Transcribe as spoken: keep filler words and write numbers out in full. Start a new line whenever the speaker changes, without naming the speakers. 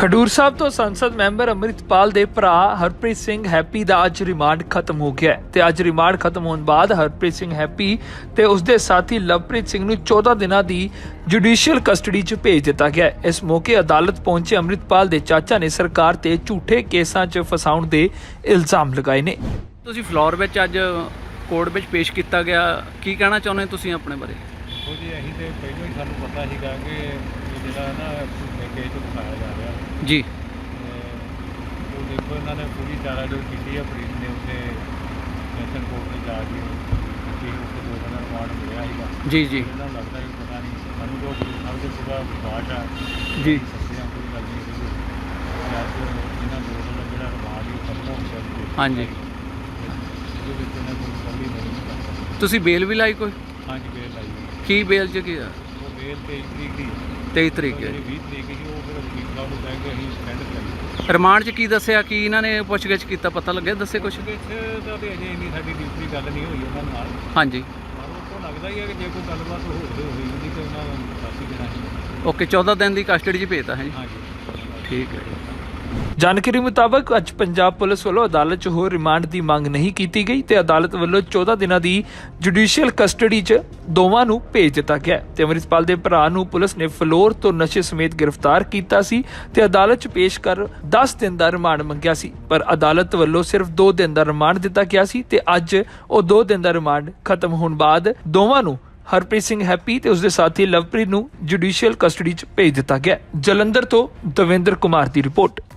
ਖਡੂਰ ਸਾਹਿਬ ਤੋਂ ਸੰਸਦ ਮੈਂਬਰ ਅੰਮ੍ਰਿਤਪਾਲ ਦੇ ਭਰਾ ਹਰਪ੍ਰੀਤ ਸਿੰਘ ਹੈਪੀ ਦਾ ਅੱਜ ਰਿਮਾਂਡ ਖਤਮ ਹੋ ਗਿਆ ਤੇ ਅੱਜ ਰਿਮਾਂਡ ਖਤਮ ਹੋਣ ਬਾਅਦ ਹਰਪ੍ਰੀਤ ਸਿੰਘ ਹੈਪੀ ਤੇ ਉਸਦੇ ਸਾਥੀ ਲਵਪ੍ਰੀਤ ਸਿੰਘ ਨੂੰ ਚੌਦਾਂ ਦਿਨਾਂ ਦੀ ਜੁਡੀਸ਼ੀਅਲ ਕਸਟਡੀ 'ਚ ਭੇਜ ਦਿੱਤਾ ਗਿਆ। ਇਸ ਮੌਕੇ ਅਦਾਲਤ ਪਹੁੰਚੇ ਅੰਮ੍ਰਿਤਪਾਲ ਦੇ ਚਾਚਾ ਨੇ ਸਰਕਾਰ ਤੇ ਝੂਠੇ ਕੇਸਾਂ 'ਚ ਫਸਾਉਣ ਦੇ ਇਲਜ਼ਾਮ ਲਗਾਏ ਨੇ।
ਤੁਸੀਂ ਫਲੋਰ ਵਿੱਚ ਅੱਜ ਕੋਰਟ ਵਿੱਚ ਪੇਸ਼ ਕੀਤਾ ਗਿਆ, ਕੀ ਕਹਿਣਾ ਚਾਹੁੰਦੇ ਤੁਸੀਂ ਆਪਣੇ ਬਾਰੇ?
ਉਹ ਜੀ ਅਸੀਂ ਤੇ ਪਹਿਲਾਂ ਹੀ ਸਾਨੂੰ ਪਤਾ ਸੀਗਾ ਕਿ ਇਹ ਜਿਹੜਾ ਨਾ ਕੇਸ ਦਿਖਾਇਆ ਜਾ ਰਿਹਾ
ਜੀ,
ਉਹ ਦੇਖੋ ਇਹਨਾਂ ਨੇ ਪੂਰੀ ਚਾਰਾ ਜੋ ਕੀਤੀ ਹੈ ਪ੍ਰੀਤ ਨੇ ਉੱਤੇ ਸੈਸ਼ਨ ਕੋਰਟ ਤੇ ਜਾ ਕੇ ਕਿ ਉੱਥੇ ਦੋ ਦਿਨ ਰਿਮਾਂਡ ਮਿਲਿਆ ਸੀਗਾ।
ਜੀ ਜੀ
ਇਹਨਾਂ ਨੂੰ ਲੱਗਦਾ ਕਿ ਪਤਾ ਨਹੀਂ ਸਾਨੂੰ ਜੋ ਸਭ ਤੋਂ ਪੂਰਾ ਵਿਸ਼ਵਾਸ ਆ
ਜੀ
ਸੱਚੀਆਂ ਕੋਈ ਗੱਲ ਨਹੀਂ ਸੀ ਅੱਜ ਇਹਨਾਂ ਦੋ ਦਿਨ ਜਿਹੜਾ ਰਿਮਾਂਡ ਹੀ ਖਤਮ ਹੋ ਗਿਆ।
ਹਾਂਜੀ,
ਇਹਦੇ ਵਿੱਚ ਇਹਨਾਂ ਕੋਈ ਗੱਲ ਹੀ ਨਹੀਂ।
ਤੁਸੀਂ ਬੇਲ ਵੀ ਲਾਈ ਕੋਈ?
ਹਾਂਜੀ ਬੇਲ ਲਾਈ ਹੋਈ।
ਕੀ ਬੇਲ 'ਚ ਕੀ ਆ?
ਉਹ ਬੇਲ ਤੇਈ ਤਰੀਕ ਦੀ
ਤੇਈ ਤਰੀਕ ਹੈ।
ਜਿਹੜੀ ਵੀਹ ਤਰੀਕ ਸੀ ਉਹ ਫਿਰ ਵਕੀਲ ਸਾਹਿਬ ਨੂੰ ਕਹਿ ਕੇ ਅਸੀਂ ਸਟੈਂਡ ਕਰਾਈ।
ਰਿਮਾਂਡ 'ਚ ਕੀ ਦੱਸਿਆ, ਕੀ ਇਹਨਾਂ ਨੇ ਪੁੱਛਗਿੱਛ ਕੀਤਾ, ਪਤਾ ਲੱਗਿਆ? ਦੱਸੇ ਕੁਛ?
ਪੁੱਛਗਿੱਛ ਦਾ ਤੇ ਅਜੇ ਇੰਨੀ ਸਾਡੀ ਡਿਊਟੀ ਗੱਲ ਨਹੀਂ ਹੋਈ ਉਹਨਾਂ ਨਾਲ।
ਹਾਂਜੀ,
ਪਰ ਉਹ ਤੋਂ ਲੱਗਦਾ ਹੀ ਹੈ ਕਿ ਜੇ ਕੋਈ ਗੱਲਬਾਤ ਹੋ ਹੋਈ ਹੁੰਦੀ ਤੇ ਉਹਨਾਂ ਨੂੰ ਦੱਸ ਹੀ ਦੇਣਾ ਸੀ।
ਓਕੇ, ਚੌਦਾਂ ਦਿਨ ਦੀ ਕਸਟਡੀ 'ਚ ਭੇਜਤਾ ਹੈ ਜੀ।
ਹਾਂਜੀ
ਠੀਕ ਹੈ।
ਜਾਣਕਾਰੀ ਮੁਤਾਬਕ ਅੱਜ ਪੰਜਾਬ ਪੁਲਿਸ ਵੱਲੋਂ ਅਦਾਲਤ 'ਚ ਹੋਰ ਰਿਮਾਂਡ ਦੀ ਮੰਗ ਨਹੀਂ ਕੀਤੀ ਗਈ ਤੇ ਅਦਾਲਤ ਵੱਲੋਂ ਚੌਦਾਂ ਦਿਨਾਂ ਦੀ ਜੁਡੀਸ਼ੀਅਲ ਕਸਟਡੀ 'ਚ ਦੋਵਾਂ ਨੂੰ ਭੇਜ ਦਿੱਤਾ ਗਿਆ ਤੇ ਅੰਮ੍ਰਿਤਪਾਲ ਦੇ ਭਰਾ ਨੂੰ ਪੁਲਿਸ ਨੇ ਫਲੋਰ ਤੋਂ ਨਸ਼ੇ ਸਮੇਤ ਗ੍ਰਿਫਤਾਰ ਕੀਤਾ ਸੀ ਤੇ ਅਦਾਲਤ 'ਚ ਪੇਸ਼ ਕਰ ਦਸ ਦਿਨ ਦਾ ਰਿਮਾਂਡ ਮੰਗਿਆ ਸੀ, ਪਰ ਅਦਾਲਤ ਵੱਲੋਂ ਸਿਰਫ ਦੋ ਦਿਨ ਦਾ ਰਿਮਾਂਡ ਦਿੱਤਾ ਗਿਆ ਸੀ ਤੇ ਅੱਜ ਉਹ ਦੋ ਦਿਨ ਦਾ ਰਿਮਾਂਡ ਖਤਮ ਹੋਣ ਬਾਅਦ ਦੋਵਾਂ ਨੂੰ ਹਰਪ੍ਰੀਤ ਸਿੰਘ ਹੈਪੀ ਤੇ ਉਸਦੇ ਸਾਥੀ ਲਵਪ੍ਰੀਤ ਨੂੰ ਜੁਡੀਸ਼ੀਅਲ ਕਸਟਡੀ 'ਚ ਭੇਜ ਦਿੱਤਾ ਗਿਆ। ਜਲੰਧਰ ਤੋਂ ਦਵਿੰਦਰ ਕੁਮਾਰ ਦੀ ਰਿਪੋਰਟ।